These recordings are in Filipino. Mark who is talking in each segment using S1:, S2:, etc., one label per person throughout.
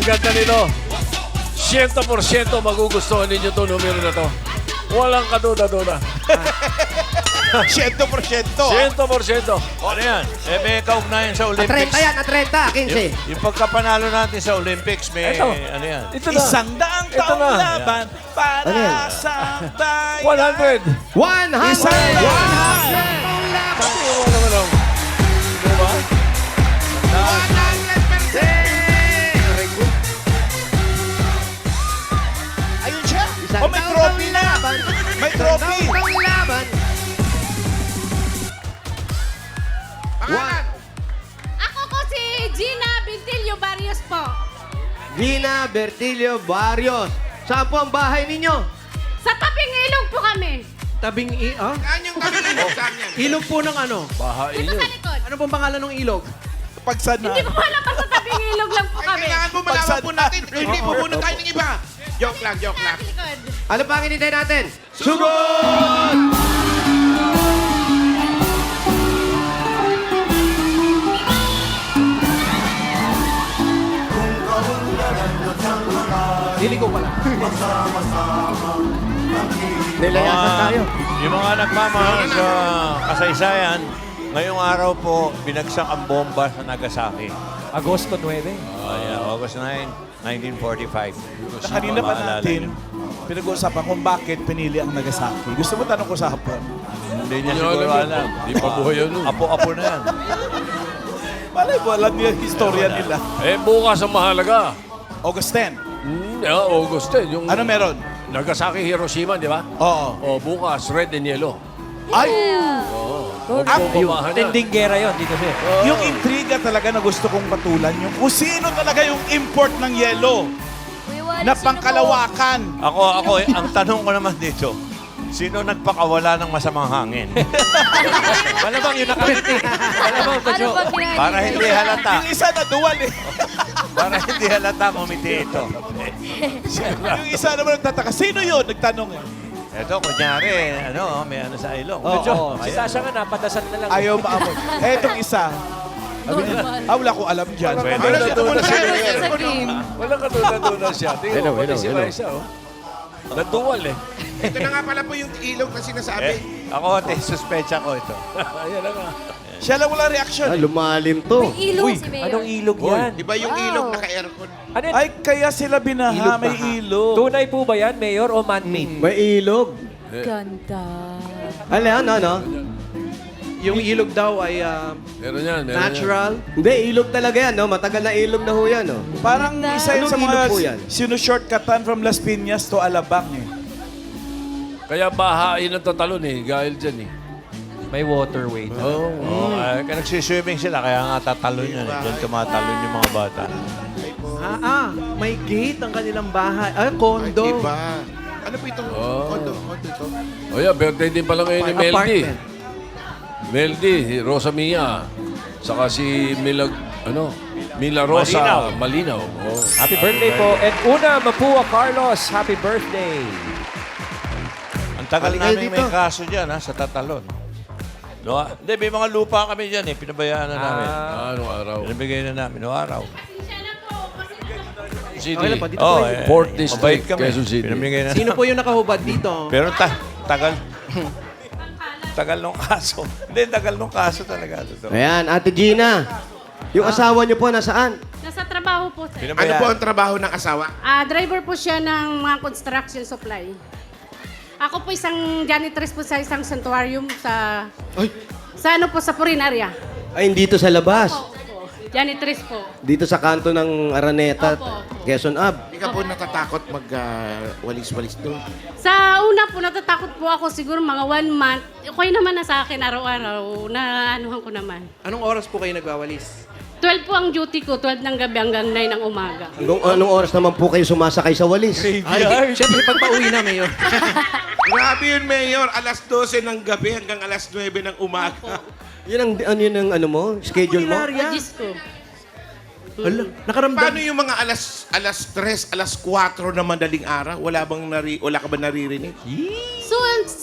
S1: ganda nito. 100% magugustuhan ninyo itong numero na to. Walang kaduda-duda.
S2: 100%.
S1: 100%.
S3: Ano yan? May kaugnayan sa Olympics.
S4: 30 yan, 30, 15.
S3: Yung pagkapanalo natin sa Olympics, may
S1: Ito.
S3: ano yan?
S1: Ito na.
S2: Isang daang
S1: Ito
S2: taong
S1: na.
S2: laban para
S4: Ano yan?
S2: sa bayan.
S1: 100.
S4: 100!
S2: Isang daan.
S1: Ano naman ang... Diba?
S2: Ayun siya.
S4: Isang
S2: Oh, may
S4: taong
S2: trophy na.
S4: laban.
S2: May
S4: Isang
S2: trophy.
S4: taong laban.
S5: Ako ko si Gina Bintilio Barrios po.
S4: Gina Bertilio Barrios. Saan po ang bahay ninyo?
S5: Sa tabing ilog po kami.
S6: Tabing
S2: Saan yung kami? Saan yan?
S6: Ilog po ng ano?
S1: Bahain
S5: Dito
S1: nyo.
S5: sa likod.
S6: Ano pong pangalan ng ilog?
S2: Pagsad na.
S5: Hindi ko alam, basta tabing ilog lang po kami.
S7: Kailangan mo malaman po natin. Hindi po muna tayo ng iba. Joke lang, joke lang.
S5: Sa likod.
S4: Ano pa ang hinintay natin? Sugod!
S6: Dili ko pala.
S4: Nilayasan tayo.
S3: Yung mga nagmamahal sa kasaysayan, ngayong araw po, binagsak ang bomba sa Nagasaki.
S6: Agosto 9.
S3: August 9, 1945.
S2: Na kanina pa natin, pinag-uusapan kung bakit pinili ang Nagasaki. Gusto mo tanong ko sa hapon?
S3: Hindi niya
S1: Hindi
S3: siguro
S1: alam yun.
S3: alam.
S1: Di pa buhay yun.
S3: Apo-apo na yan.
S2: Malay mo, alam niyo yung historia nila.
S1: Eh, bukas ang mahalaga.
S2: August 10.
S1: August 10. Yung
S2: Ano meron?
S1: Nagasaki, Hiroshima, di ba?
S2: Oo.
S1: O, bukas, red and yellow.
S2: Ay!
S1: Magbubumahan na.
S6: Tending gera yon dito siya.
S2: Yung intriga talaga na gusto kong patulan, yung kung sino talaga yung import ng yelo na pangkalawakan.
S3: Ako, ang tanong ko naman dito, sino nagpakawala ng masamang hangin?
S6: Malamang yun nakarating. Malamang pa, Jo.
S3: Para hindi halata.
S2: Yung isa na duwal eh.
S3: Para hindi halata, umiti ito.
S2: Yung isa naman nagtataka, sino yun? Nagtanong eh.
S3: Ito, kunyari, may ano sa ilong.
S6: Jo, si Sasha nga napadasal na lang.
S2: Ayaw maamoy. Etong isa. Sabi niya, wala ko alam dyan.
S3: Pwede.
S1: Kaduda siya.
S5: Sa team.
S1: Walang kaduda siya. Tingnan mo, pati si Raisa, oh. Naduwal eh.
S7: Ito na nga pala po yung ilog na sinasabi.
S3: Ako, suspecha ko ito.
S1: Ayan na nga.
S2: Siya lang wala reaction.
S4: Ah, lumalim to.
S5: Ilog si Mayor.
S6: Anong ilog yan?
S7: Di ba yung ilog naka-aircon?
S6: Ano yan?
S2: Ay, kaya sila binaha, may ilog.
S6: Tunay po ba yan, Mayor, o man-made?
S4: May ilog.
S5: Ganda.
S4: Ano?
S6: Yung ilog daw ay
S1: Meron yan, meron
S6: natural.
S4: Hindi, ilog talaga yan, no? Matagal na ilog na ho yan, no?
S2: Parang isa yun sa
S4: Anong
S2: mga
S4: ilog po yan?
S2: sinushortcutan from Las Piñas to Alabang eh.
S1: yan. Kaya bahain ang tatalon eh, dahil dyan eh.
S6: May waterway.
S3: Kaya nagsiswimming sila, kaya nga tatalon yan. Diyan tumatalon yung mga bata.
S6: May gate ang kanilang bahay. Ay, kondo.
S7: Iba. Ano po itong kondo? Kondo ito?
S1: O yan, birthday din pala ngayon ni Meldy.
S6: Apartment.
S1: Meldy, Rosa Mia. Saka si Mila Rosa Malinaw. Oh.
S6: Happy birthday po. And Una Mapua Carlos, happy birthday.
S3: Ang tagal
S4: Halika
S3: namin may
S4: dito.
S3: kaso dyan, sa tatalon. No, hindi, may mga lupa kami dyan pinabayaan na namin.
S1: Anong araw?
S3: Pinabigay na namin noong araw.
S1: City.
S6: Okay lang po, dito
S3: Oh,
S6: po kayo.
S1: Port
S3: mabait
S1: District,
S3: kami.
S1: Quezon City.
S3: Pinamigay na
S6: Sino po yung nakahubad dito?
S3: Pero tagal nung kaso. Hindi, tagal nung kaso talaga. Totoo.
S4: Ayan, Ate Gina. Yung asawa niyo po, nasaan?
S5: Nasa trabaho po. Sir.
S7: Ano po ang trabaho ng asawa?
S5: Driver po siya ng mga construction supply. Ako po isang janitress po sa isang sanctuarium sa... Sa ano po, sa Purinarya.
S4: Ay, dito sa labas.
S5: Opo. Janitress po.
S4: Dito sa kanto ng Araneta,
S5: Opo.
S4: Quezon Ave.
S7: Hindi ka po natatakot mag-walis-walis doon.
S5: Sa una po, natatakot po ako siguro mga 1 month. Okay naman na sa akin araw-araw na anuhan ko naman.
S6: Anong oras po kayo nagwawalis?
S5: 12 po ang duty ko, 12 ng gabi hanggang 9 ng umaga.
S4: Anong oras naman po kayo sumasakay sa walis?
S6: Ay, syempre pag pauwi na, Mayor.
S7: Grabe yun, Mayor. Alas 12 ng gabi hanggang alas 9 ng umaga.
S4: Yun ang ano mo? Schedule mo?
S5: Regis ko.
S6: Hala, nakaramdam.
S7: Paano yung mga alas 3, alas 4 na madaling araw? Wala ka ba naririnig?
S5: So,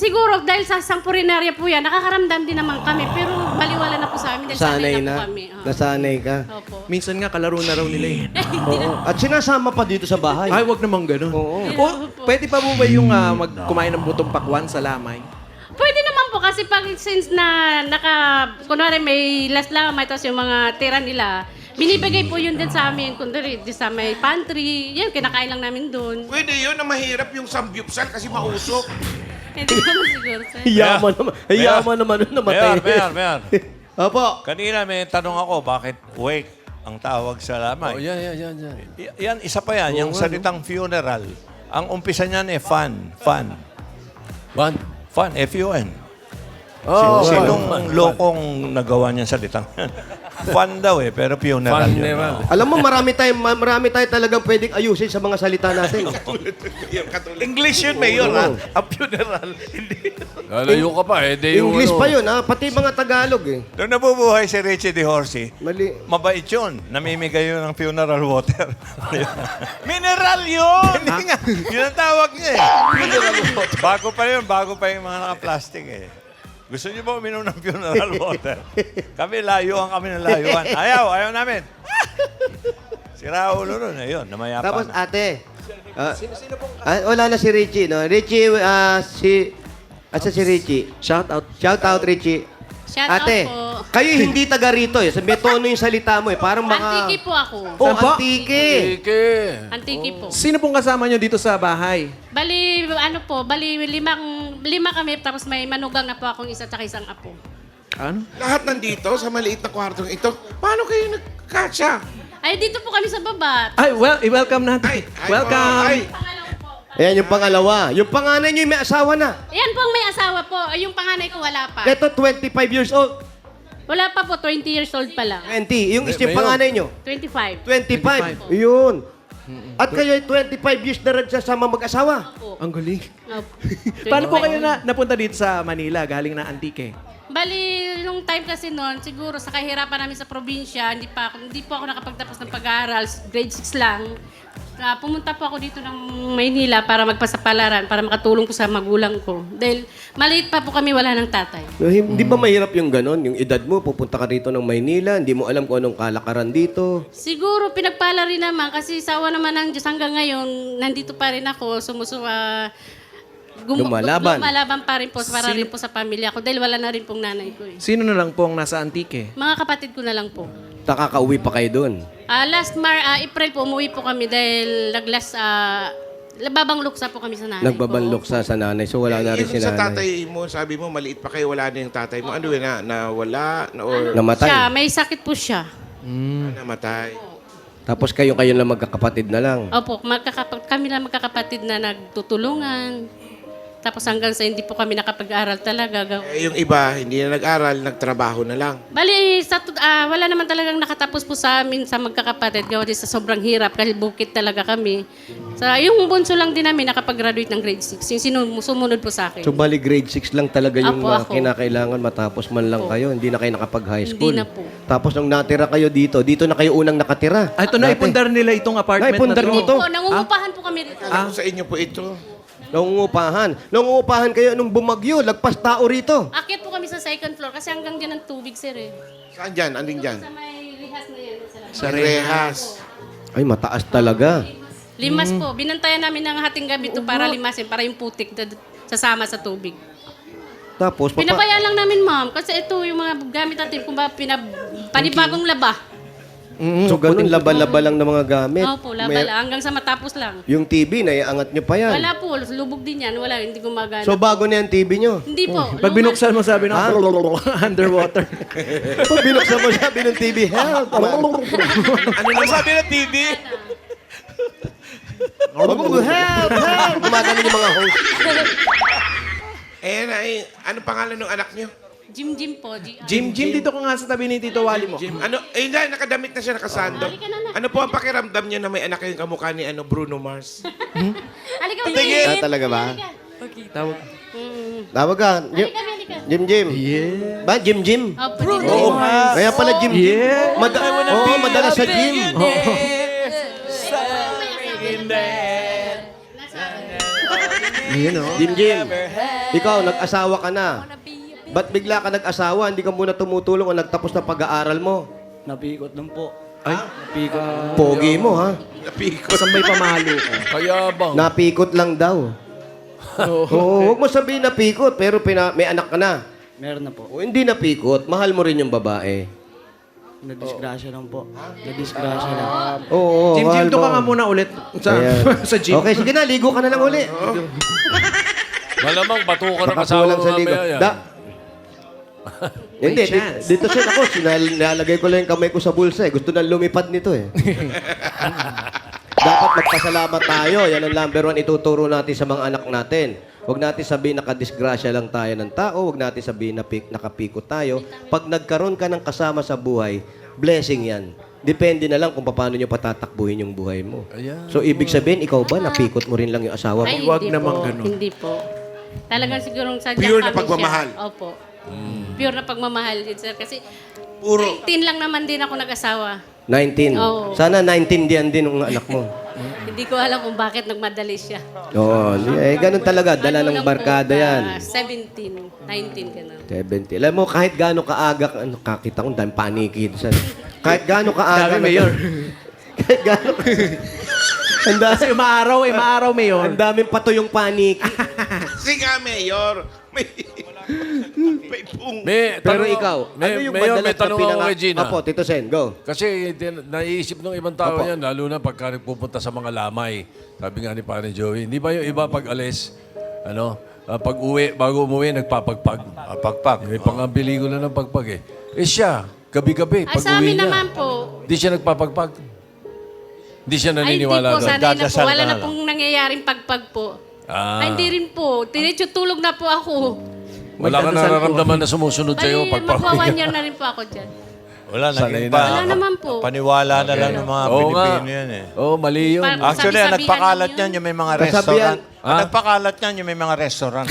S5: Siguro dahil sa isang purinarya po yan, nakakaramdam din naman kami. Pero baliwala na po sa amin dahil sanay na po kami.
S4: Nasanay ka.
S5: Opo.
S6: Minsan nga, kalaro na raw nila eh.
S4: Oo. At sinasama pa dito sa bahay.
S6: Ay, wag naman ganun.
S4: Oo.
S6: O, pwede pa mo ba yung kumain ng butong pakwan sa lamay?
S5: Pwede naman po kasi pag since na kunwari may last lang, may tapos yung mga tira nila, binibigay po yun din sa amin. Kunwari, di sa may pantry, yan, kinakain lang namin doon.
S7: Pwede yun na mahirap yung samgyupsal kasi mausok.
S5: Hindi naman siguro, sir.
S4: Yaman naman nun namatay.
S3: Mayor.
S4: Opo.
S3: Kanina may tanong ako, bakit wake ang tawag sa lamay?
S1: Oh, yan.
S3: Yan, isa pa yan, yung salitang funeral. Ang umpisa niyan fun.
S1: One.
S3: Fun, F-U-N.
S1: Oh,
S3: Sinong lokong nagawa niyan salitang yan? Fun daw pero funeral yun.
S1: Funeral.
S4: Alam mo, marami tayo talagang pwedeng ayusin sa mga salita natin.
S2: English yun, Mayor, ha? Ang funeral. Hindi.
S1: Lalayo ka pa eh. Di yung
S4: English
S1: ano.
S4: pa yun, ha? Pati mga Tagalog, eh.
S3: Nung nabubuhay si Richie De Horsey,
S4: Mali.
S3: mabait yun. Namimigay yun ng funeral water.
S2: Mineral yun!
S3: Hindi nga. Yun ang tawag niya eh. Bago pa yung mga naka-plastic eh. Gusto niyo ba uminom ng funeral water? Kami layuan kami ng layuan. Ayaw namin. Sira ulo nun. Ayun, namayapa
S4: Tapos,
S3: na.
S4: ate. Wala na si Richie, no? Richie, asa si Richie?
S6: Shout out.
S4: Shout out, Richie.
S5: Shout
S4: Ate,
S5: out po.
S4: kayo hindi taga rito, eh. May tono yung salita mo, eh. Parang mga...
S5: Antiki po ako.
S4: Oh,
S6: Saan po?
S4: antike.
S1: Ike.
S5: Antiki po.
S6: Sino pong kasama nyo dito sa bahay?
S5: Bali, lima kami, tapos may manugang na po akong isa tsaka isang apo.
S6: Ano?
S7: Lahat nandito sa maliit na kwartong ito. Paano kayo nagkasya?
S5: Ay, dito po kami sa baba.
S6: Ay, i-welcome natin. Welcome.
S7: Ay,
S4: Ayan, yung pangalawa. Yung panganay nyo, may asawa na.
S5: Yan po ang may asawa po. Ay, yung panganay ko wala pa.
S4: Ito, 25 years old.
S5: Wala pa po, 20 years old pa lang.
S4: 20. Yung yung panganay nyo,
S5: 25.
S4: 25. Yun. At kayo, 25 years na rin sasama mag-asawa.
S6: Ang galing.
S5: Opo.
S6: Paano po
S5: 25.
S6: kayo napunta dito sa Manila, galing na Antique?
S5: Bali, nung time kasi noon, siguro sa kahirapan namin sa probinsya, hindi po ako nakapagtapos ng pag-aaral, grade 6 lang. Pumunta po ako dito ng Maynila para magpasapalaran, para makatulong po sa magulang ko. Dahil maliit pa po kami, wala ng tatay.
S4: Hindi ba mahirap yung ganon? Yung edad mo, pupunta ka rito ng Maynila, hindi mo alam kung anong kalakaran dito.
S5: Siguro pinagpala rin naman kasi sawa naman ng Diyos hanggang ngayon, nandito pa rin ako, lumalaban pa rin po para rin po sa pamilya ko dahil wala na rin pong nanay ko eh.
S6: Sino na lang pong nasa Antique?
S5: Mga kapatid ko na lang po.
S4: Nakakauwi pa kayo doon.
S5: Last April po umuwi po kami dahil babangluksa po kami sa nanay
S4: Nagbabanlok
S5: ko.
S4: sa nanay, so wala na rin si
S7: yung sa
S4: nanay.
S7: tatay mo, sabi mo, maliit pa kayo, wala na yung tatay mo. Ano yun nawala? Or
S4: Namatay.
S5: Siya, may sakit po siya.
S7: namatay?
S4: Tapos kayo lang magkakapatid na lang.
S5: Opo, kami lang magkakapatid na nagtutulungan. Tapos hanggang sa hindi po kami nakapag-aral talaga.
S7: Yung iba, hindi na nag-aral, nagtrabaho na lang.
S5: Bali, wala naman talagang nakatapos po sa amin sa magkakapatid. Gawa din sa sobrang hirap kasi bukid talaga kami. Yung bunso lang din namin nakapag-graduate ng grade 6. Yung sumunod po sa akin.
S4: So bali grade 6 lang talaga yung
S5: Apo,
S4: mga
S5: ako.
S4: kinakailangan matapos man lang kayo. Hindi na kayo nakapag-high school.
S5: Hindi na po.
S4: Tapos nung natira kayo dito na kayo unang nakatira.
S6: Ito, naipundar nila itong apartment
S4: Naipundar
S6: na
S4: mo
S6: to.
S4: to?
S5: Po, nangungupahan po kami rito.
S7: Alam ko sa inyo po ito.
S4: Nangungupahan kayo nung bumagyo, lagpas tao rito.
S5: Akyat po kami sa second floor kasi hanggang dyan ang tubig, sir eh.
S7: Saan dyan? Anding dyan?
S5: Sa may rehas na yan.
S6: Sa
S7: Rehas.
S4: Ay, mataas talaga.
S5: Limas po. Binantayan namin ng hating gabi to para limasin, para yung putik sasama sa tubig.
S4: Tapos,
S5: Pinabayaan lang namin, ma'am. Kasi ito yung mga gamit natin, kung ba panibagong laba.
S4: so ganun, laba-laba lang ng mga gamit.
S5: Opo, laba lang. Hanggang sa matapos lang.
S4: Yung TV, naiangat nyo pa yan.
S5: Wala po. Lubog din yan. Wala. Hindi gumagana.
S4: So bago na yung TV nyo.
S5: Hindi po.
S6: Pag binuksan mo, sabi ng underwater.
S4: Pag binuksan mo, sabi ng TV, help!
S2: Ano na sabi ng TV?
S4: help! Gumagano yung mga host.
S7: Ano pangalan ng anak niyo?
S5: Jim po.
S6: Jim, dito ko nga sa tabi ni Tito Wally mo.
S7: Jim. Hindi, nakadamit na siya, nakasando.
S5: Halika na.
S7: Ano po ang pakiramdam niyo na may anak kayong kamukha ni Bruno Mars?
S5: Halika,
S4: Talaga ba?
S6: Tawag.
S4: Tawag ka.
S5: Halika.
S4: Jim.
S6: Yeah.
S4: Ba? Jim?
S5: Opo,
S4: Oo. Kaya pala Jim.
S6: Yeah.
S4: Oo, madalas sa gym.
S6: Yun, oh.
S4: Jim, ikaw, nag-asawa ka na. Ba't bigla ka nag-asawa? Hindi ka muna tumutulong o nagtapos na pag-aaral mo?
S8: Napikot lang po.
S6: Ay,
S8: Napikot.
S4: Pogi mo, ha?
S7: Napikot.
S6: saan may pamalo ka?
S1: Kaya bang?
S4: Napikot lang daw. Oo, huwag mo sabihin napikot, pero may anak ka na.
S8: Meron na po.
S4: O hindi napikot, mahal mo rin yung babae.
S8: Nadisgrasya lang po. Nadisgrasya lang.
S4: Oo,
S6: Jim,
S4: mahal
S6: doon ka
S4: mo.
S6: nga muna ulit sa,
S4: Ayan.
S6: sa gym.
S4: Okay, sige na, ligo ka na lang uli.
S1: Malamang batukan ng
S4: Baka
S1: asawa
S4: kulang
S1: mo
S4: sa ligo.
S1: mamaya yan.
S4: Hindi,
S6: chance.
S4: dito siya ako, nilalagay ko lang yung kamay ko sa bulsa eh. Gusto na lumipad nito eh. Dapat magpasalamat tayo. Yan ang number one ituturo natin sa mga anak natin. Huwag natin sabihin nakadisgrasya lang tayo ng tao. Huwag natin sabihin nakapikot tayo. Pag nagkaroon ka ng kasama sa buhay, blessing yan. Depende na lang kung paano nyo patatakbuhin yung buhay mo.
S1: Ayan.
S4: So, ibig sabihin, ikaw ba, napikot mo rin lang yung asawa mo?
S5: Ay,
S6: Wag
S5: hindi
S6: naman
S5: po.
S6: ganun.
S5: Hindi po. Talagang sigurong sadyang
S7: Pure na
S5: kami
S7: pagmamahal.
S5: Siya. Opo. Pure na pagmamahal, sir. Kasi
S7: Puro.
S5: 19 lang naman din ako nag-asawa.
S4: 19.
S5: Oo.
S4: Sana 19 diyan din ng anak mo.
S5: Hindi ko alam kung bakit nagmadali siya.
S4: Oo, ganun talaga. Dala
S5: Ano
S4: ng
S5: lang
S4: barkada
S5: po,
S4: yan.
S5: 17, 19 ganun.
S4: 70. Alam mo, kahit gaano kaaga, kakita ko, dahil paniki. Kahit gaano kaaga.
S6: Dami, Mayor.
S4: Kahit gaano.
S6: Kasi maaraw eh, maaraw, Mayor.
S4: Ang daming pato yung paniki.
S7: Sige nga, Mayor. May pung.
S4: Pero ikaw, ano yung
S1: Mayor,
S4: madalas
S1: may tanong
S4: na
S1: ako kay Gina.
S4: Opo, Tito Sen, go.
S1: Kasi naiisip ng ibang tao
S4: Opo.
S1: yan, lalo na pagka pupunta sa mga lamay. Sabi nga ni Pare Joey, hindi ba yung iba pag alis, pag uwi, bago umuwi, nagpapagpag.
S3: Pagpag.
S1: May pangambili ko na ng pagpag eh. Eh siya, gabi-gabi,
S5: Ay,
S1: pag
S5: sa
S1: uwi
S5: amin
S1: niya,
S5: naman po.
S1: hindi siya nagpapagpag. Hindi siya
S5: Ay, hindi
S1: naniniwala
S5: po.
S1: doon.
S5: Sanay na po.
S3: Dadasal
S5: Wala
S3: ka
S5: na
S3: na lang.
S5: pong nangyayaring pagpag po.
S1: Ah.
S5: Ay, hindi rin po. Tinitso tulog na po ako.
S1: Wala ka
S6: Magdadasal po.
S1: nararamdaman na sumusunod sa'yo
S5: Bali,
S1: pag
S5: magwa 1
S1: pauwi
S5: year
S1: ka.
S5: na rin po ako dyan.
S3: Wala,
S1: Sanay
S3: naging
S1: na.
S5: Wala naman po.
S3: Paniwala na lang ng mga
S1: Oo nga.
S3: Pilipino yan eh.
S1: Oo, mali yun.
S5: Parang-
S3: Actually, ang
S5: Sabi-sabihan
S3: nagpakalat
S5: lang
S3: niyan
S5: yun.
S3: yung may mga
S4: Kasabihan.
S3: restaurant. Ang
S1: Ah?
S3: nagpakalat niyan yung may mga restaurant.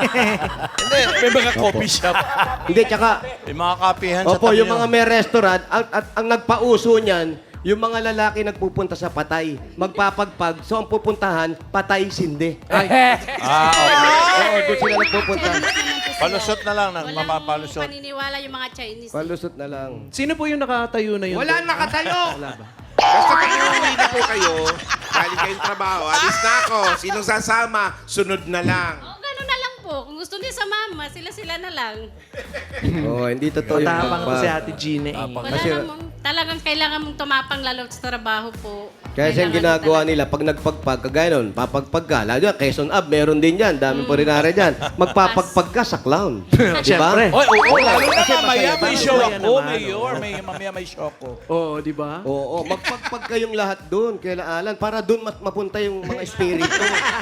S7: May mga coffee shop.
S4: Hindi, tsaka,
S3: Yung mga kapihan sa
S4: opo,
S3: tabi
S4: yung
S3: nun.
S4: mga may restaurant, at ang nagpauso niyan, yung mga lalaki nagpupunta sa patay. Magpapagpag, so ang pupuntahan, patay sindi.
S3: Ah, okay.
S4: Oo, doon sila nagpupunta.
S3: Palusot na lang,
S5: Walang
S3: mapapalusot.
S5: paniniwala yung mga Chinese.
S4: Palusot na lang.
S6: Sino po yung nakatayo na yun?
S2: Wala nakatayo!
S7: Basta pag uuwi na po kayo, galing kayong trabaho, alis na ako. Sinong sasama, sunod na lang.
S5: Oh, gano'n na lang po. Kung gusto niya sa mama, sila-sila na lang.
S4: Oo, hindi totoo yung
S6: Matapang ko
S4: pagpag.
S6: si Ate Gina eh.
S5: Wala namang, talagang kailangan mong tumapang lalo sa trabaho po.
S4: Kaya yung
S5: Kailangan
S4: ginagawa
S5: talaga.
S4: nila, pag nagpagpag ka, gaya nun, papagpag ka. Lalo yan, Quezon Ab, meron din yan. Daming purinare dyan. Magpapagpag ka sa clown. Di ba?
S6: Siyempre.
S2: Oo, lalo na
S4: Kasi
S2: mamaya may
S4: masaya
S2: show
S6: naman.
S2: ako,
S6: Masaya
S2: Mayor. Mamaya may show ako.
S6: Oo, di ba?
S4: Oo, magpagpag kayong lahat doon, kaila Alan, para doon mapunta yung mga espiritu.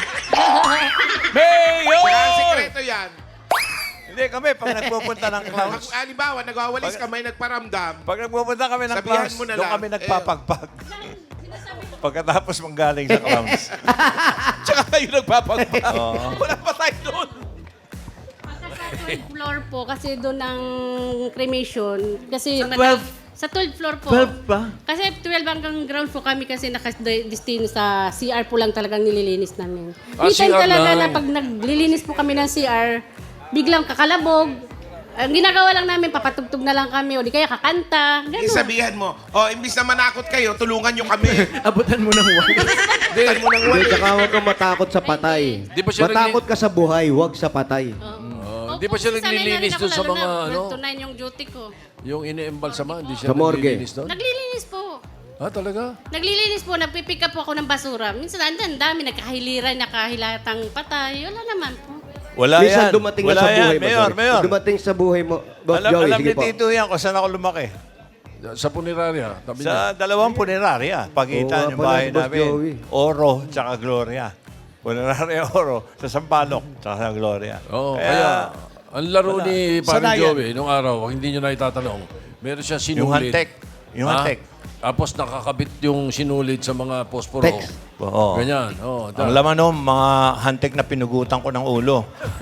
S2: Mayor!
S7: Kaya ang sekreto yan.
S3: Hindi kami, pag nagpupunta ng
S7: Pag,
S3: clowns,
S7: halimbawa, nagwawalis ka, may nagparamdam.
S3: pag nagpupunta kami ng
S7: Sabihan
S3: clowns,
S7: mo na
S3: doon
S7: lang.
S3: kami nagpapagpag. Pagkatapos manggaling sa clowns.
S2: Tsaka kayo nagpapagpag.
S3: Oo.
S2: Wala pa tayo doon.
S5: Pagka sa 12th floor po, kasi doon ang cremation. Kasi
S6: Sa 12?
S5: Sa 12th floor po.
S6: 12 pa?
S5: Kasi 12 hanggang ground po kami kasi nakadestino sa CR po lang talagang nililinis namin.
S1: Ah,
S5: May time
S1: CR
S5: talaga
S1: lang.
S5: na pag naglilinis po kami ng CR, biglang kakalabog. Ang ginagawa lang namin, papatugtog na lang kami o di kaya kakanta. Ganun.
S7: Sabihan mo, imbis na manakot kayo, tulungan nyo kami.
S6: Abutan mo ng wala.
S7: Tutan mo ng
S4: Hindi,
S7: wali.
S4: tsaka huwag kang matakot sa patay.
S1: Di ba siya
S4: Matakot ka sa buhay, huwag sa patay.
S1: Di ba siya naglilinis doon sa mga, ano?
S5: 12 to 9 yung duty ko.
S1: Yung ini-embalsama, hindi siya
S4: Sa morgue.
S1: naglilinis doon?
S5: Naglilinis po.
S1: Ah, talaga?
S5: Naglilinis po, nagpipick up po ako ng basura. Minsan, ang dami, nagkahiliran, nakahilatang patay. Wala naman po.
S3: Wala
S4: Minsan
S3: yan.
S4: dumating
S3: Wala
S4: na sa
S3: yan.
S4: buhay mo.
S3: Mayor,
S4: sorry.
S3: Mayor.
S4: Dumating sa buhay mo. Boss
S3: Alam,
S4: Joey,
S3: alam
S4: sige
S3: ni
S4: po.
S3: Tito yan kung saan ako lumaki.
S1: Sa punerarya, tabi niya.
S3: Sa dalawang punerarya. Pagitan
S4: Oo,
S3: yung
S4: pala
S3: bahay
S4: si Boss
S3: namin.
S4: Joey.
S3: Oro, tsaka Gloria. Punerarya Oro. Sa Sampaloc, tsaka sa Gloria.
S1: Oo, kaya, ang laro ni Pare
S2: Sanayan.
S1: Joey, nung araw, hindi nyo na itatanong, meron siya sinulit.
S3: Yung hantek. Yung
S1: Ha?
S3: hantek.
S1: Tapos nakakabit yung sinulit sa mga posporo.
S4: Text.
S3: Oo.
S1: Ganyan. Oh,
S3: Ang laman nun, mga hantek na pinugutan ko ng ulo.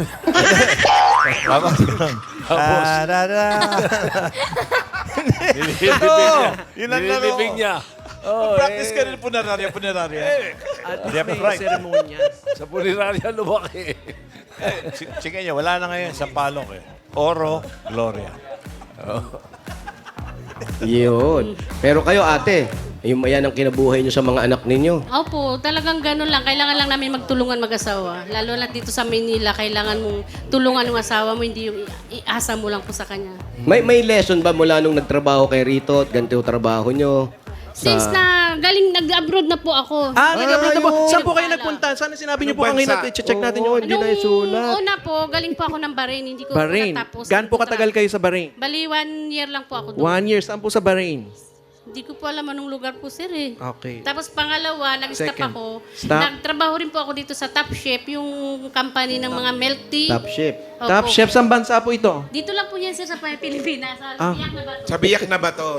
S3: Tapos ganun.
S1: Tapos?
S3: Oo, yun ang laro.
S1: Nililibing niya. Oh,
S2: Practice ka rin punararya.
S6: At
S3: Left,
S6: least may
S3: right.
S6: seremonyas.
S1: Sa punerarya lumaki.
S3: Sige niya, wala na ngayon sa palok eh. Oro, Gloria.
S4: Yun. Pero kayo, ate, yan ang kinabuhay nyo sa mga anak ninyo.
S5: Opo, talagang ganun lang. Kailangan lang namin magtulungan mag-asawa. Lalo na dito sa Manila, kailangan mong tulungan ng asawa mo, hindi yung iasa mo lang po sa kanya.
S4: May lesson ba mula nung nagtrabaho kay Rito at ganito yung trabaho nyo?
S5: Since na galing nag-abroad na po ako.
S6: Nag-abroad na po.
S4: ayun.
S6: Saan po kayo nagpunta? Sana sinabi niyo po
S7: Anong
S6: kanina.
S7: bansa?
S6: I-check natin yung...
S4: Hindi na isulat.
S5: una po, galing po ako ng Bahrain. Hindi ko
S6: Bahrain.
S5: natapos.
S6: Gaano po katagal kayo sa Bahrain?
S5: Bali, 1 year lang po ako doon.
S6: 1 year. Saan po sa Bahrain?
S5: Hindi ko po alam anong lugar po, sir eh.
S6: Okay.
S5: Tapos pangalawa, nag-stop
S6: Second.
S5: ako.
S6: Stop.
S5: Nagtrabaho rin po ako dito sa Top Chef, yung company ng mga milk tea.
S4: Top ship.
S5: Opo.
S6: Top chef, saan bansa po ito?
S5: Dito lang po yan, sir, sa Pilipinas. Sa
S6: Ah.
S5: Biak na ba?
S7: Sa biyak na ba to?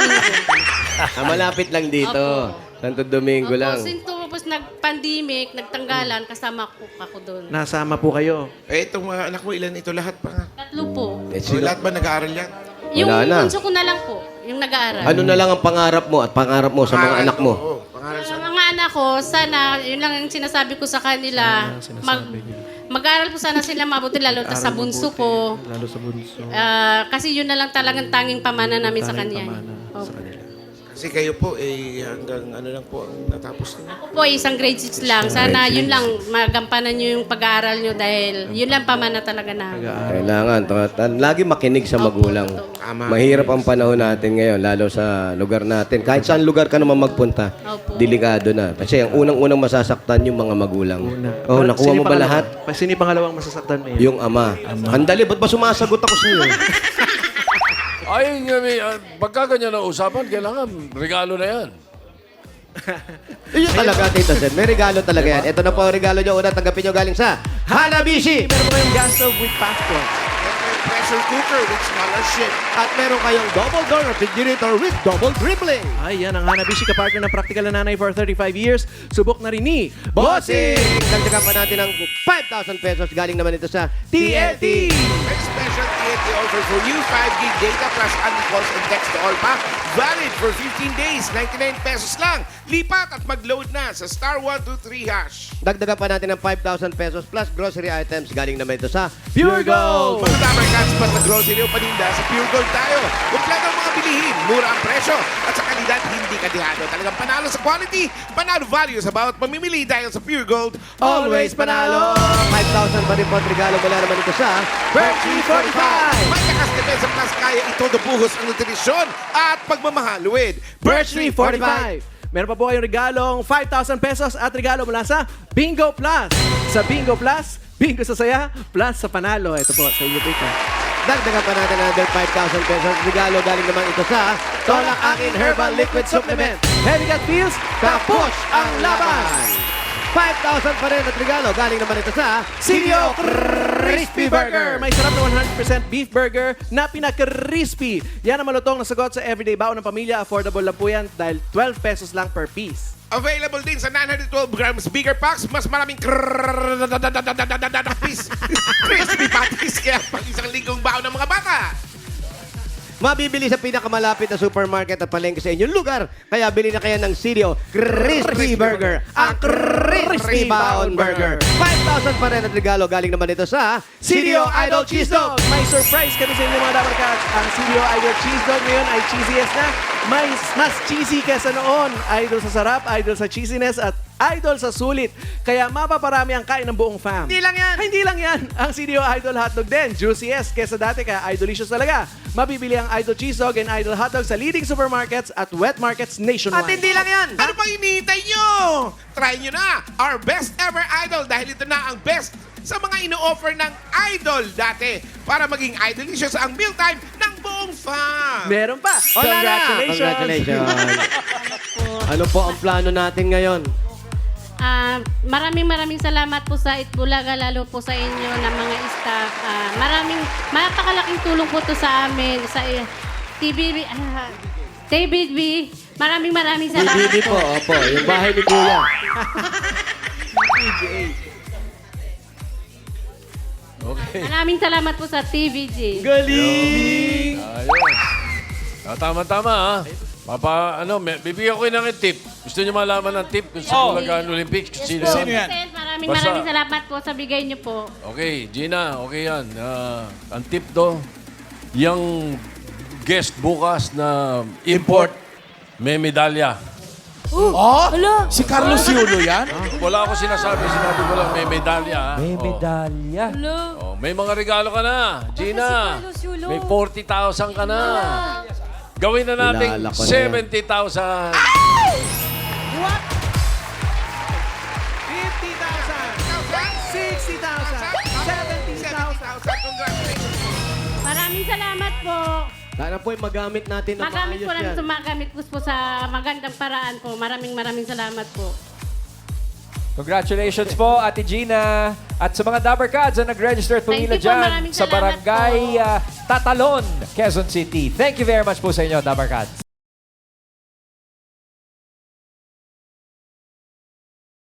S4: Malapit lang dito. Santo Domingo
S5: Opo,
S4: lang.
S5: since tapos nag-pandemic, nagtanggalan, kasama ko ako doon.
S6: Nasama po kayo.
S7: Eh, itong mga anak mo, ilan ito lahat pa nga?
S5: Tatlo po.
S4: Eh,
S7: So,
S4: sino-
S7: lahat ba nag-aaral yan?
S5: Yung
S4: Wala na.
S5: bunso ko na lang po, yung nag-aaral.
S4: Ano na lang ang pangarap mo at pangarap mo sa mga
S7: Pangaral
S4: anak mo?
S7: Oo, pangaral sa...
S5: Sa mga anak ko, sana, yun lang yung sinasabi ko sa kanila, mag-aaral po sana sila mabuti, lalo na sa bunso ko.
S6: Lalo sa bunso.
S5: Kasi yun na lang talagang tanging pamana namin sa kanya. Opo.
S7: Kasi kayo po, eh, hanggang ano lang po ang natapos niyo.
S5: Ako po, isang grade 6 lang. Sana yun lang, magampanan nyo yung pag-aaral nyo dahil yun lang pamana talaga na.
S4: Kailangan. Lagi makinig sa magulang.
S7: Tama.
S4: Mahirap ang panahon natin ngayon, lalo sa lugar natin. Kahit saan lugar ka naman magpunta,
S5: Opo.
S4: delikado na. Kasi ang unang-unang masasaktan yung mga magulang. Oh,
S6: Pero
S4: nakuha
S6: sino
S4: mo ba
S6: yung
S4: lahat?
S6: pangalawa? Sino yung pangalawang masasaktan mo?
S4: Yung ama. Andali, ba't ba sumasagot ako sa iyo?
S1: Ay, pagka ganyan ang usapan, kailangan regalo na yan.
S4: Yun talaga, Tito Sen. May regalo talaga yan. Ito na po ang regalo nyo. Una, tanggapin nyo galing sa Hanabishi.
S6: Meron po kayong gas stove with passport.
S7: Pressure cooker with scholarship.
S4: At meron kayong double door refrigerator with double dribbling.
S6: Ay, yan ang Hanabishi, kapartner ng Practical na Nanay for 35 years. Subok na rin ni
S4: Bossing! Dagdagan pa natin ng 5,000 pesos. Galing naman ito sa TNT.
S7: May special TNT offer for you, 5 gig data plus unlimited calls and text to all pa. Valid for 15 days, 99 pesos lang. Lipat at mag-load na sa star 123 hash.
S4: Dagdagan pa natin ng 5,000 pesos plus grocery items. Galing naman ito sa Pure Gold.
S7: Mga Dabar Cats pa sa grocery o paninda, sa Pure Gold tayo. Kompleto ang mga bilihin, mura ang presyo, at sa kalidad hindi kadihado. Talagang panalo sa quality, panalo value sa bawat pamimili dahil sa Pure Gold.
S4: Always panalo! 5,000 pa rin po at regalo mula naman ito sa Berkeley 45.
S7: May lakas depensa plus kaya ito buhos ang nutrisyon at pagmamahal with
S6: Birchtree 45. Meron pa po kayong regalong 5,000 pesos at regalo mula sa Bingo Plus. Sa Bingo Plus, bingo sa saya, plus sa panalo. Ito po, sa inyo po ito.
S4: Dagdagan pa natin another 5,000 pesos. Regalo galing naman ito sa Tolak Angin Herbal Liquid Supplement.
S6: Heavy Gut Feels,
S4: Kapush ang laban! 5,000 pa rin at regalo galing naman ito sa
S6: CDO Crispy Burger. May sarap na 100% beef burger na pinaka-crispy. Yan ang malutong na sagot sa everyday baon ng pamilya. Affordable lang po yan dahil 12 pesos lang per piece.
S7: available din sa 912 grams bigger packs. Mas maraming crispy patties kaya pang isang linggong baon ng mga bata.
S4: Mabibili sa pinakamalapit na supermarket at palengke sa inyong lugar. Kaya bili na kayo ng CDO Crispy Burger. Ang Crispy Baon Burger. 5,000 pa rin at regalo galing naman ito sa
S6: CDO Idol Cheese Dog. May surprise kami sa inyo mga Dabar Cats. Ang CDO Idol Cheese Dog ngayon ay cheesiest na. Mas cheesy kesa noon. Idol sa sarap, idol sa cheesiness, at idol sa sulit. Kaya mapaparami ang kain ng buong fam.
S7: Hindi lang yan.
S6: Hindi lang yan. Ang CDO Idol Hotdog din. Juiciest kesa dati, kaya idolicious talaga. Mabibili ang Idol Cheese Dog and Idol Hotdog sa leading supermarkets at wet markets nationwide.
S7: At hindi lang yan. Ano pang hinihintay nyo? Try nyo na our best ever idol dahil ito na ang best sa mga ino-offer ng idol dati para maging idolicious ang mealtime ng buong fam.
S6: Meron pa.
S4: Wala na.
S6: Congratulations.
S4: Congratulations. Ano po ang plano natin ngayon?
S5: Maraming salamat po sa Itbulaga, lalo po sa inyo na mga staff. Mapakalaking tulong po to sa amin, sa TVB. Maraming salamat
S4: Bibi po, opo. Yung bahay ni Kuya.
S1: Okay.
S5: Maraming salamat po sa TVJ.
S6: Galing!
S1: Ayos. Tama-tama, ha? Bibigyan ko kayo ng tip. Gusto niyo malaman ng tip kung sa Bulacan Olympics? Sino
S2: Sino yan?
S5: Sen, maraming
S1: Basta-
S5: maraming salamat po sa bigay niyo po.
S1: Okay, Gina, okay yan. Ang tip do, yung guest bukas na import, may medalya.
S2: Oh, si Carlos Yulo yan?
S1: Wala ako sinasabi ko lang may medalya.
S9: May medalya.
S1: May mga regalo ka na, Gina. May 40,000 ka na. Gawin na natin
S4: Kilala ko na yan.
S1: 70,000.
S6: 50,000, 60,000, 70,000.
S7: Congratulations.
S5: Maraming salamat po.
S4: Sana po ay magamit natin na
S5: Magamit
S4: maayos
S5: po namin
S4: yan.
S5: sa magamit po sa magandang paraan po. Maraming salamat po.
S9: Congratulations po, Ate Gina. At sa mga Dabber Cats na nag-register at pumila
S5: Thank you po,
S9: dyan
S5: maraming
S9: sa
S5: salamat
S9: Barangay Tatalon, Quezon City. Thank you very much po sa inyo, Dabber Cats.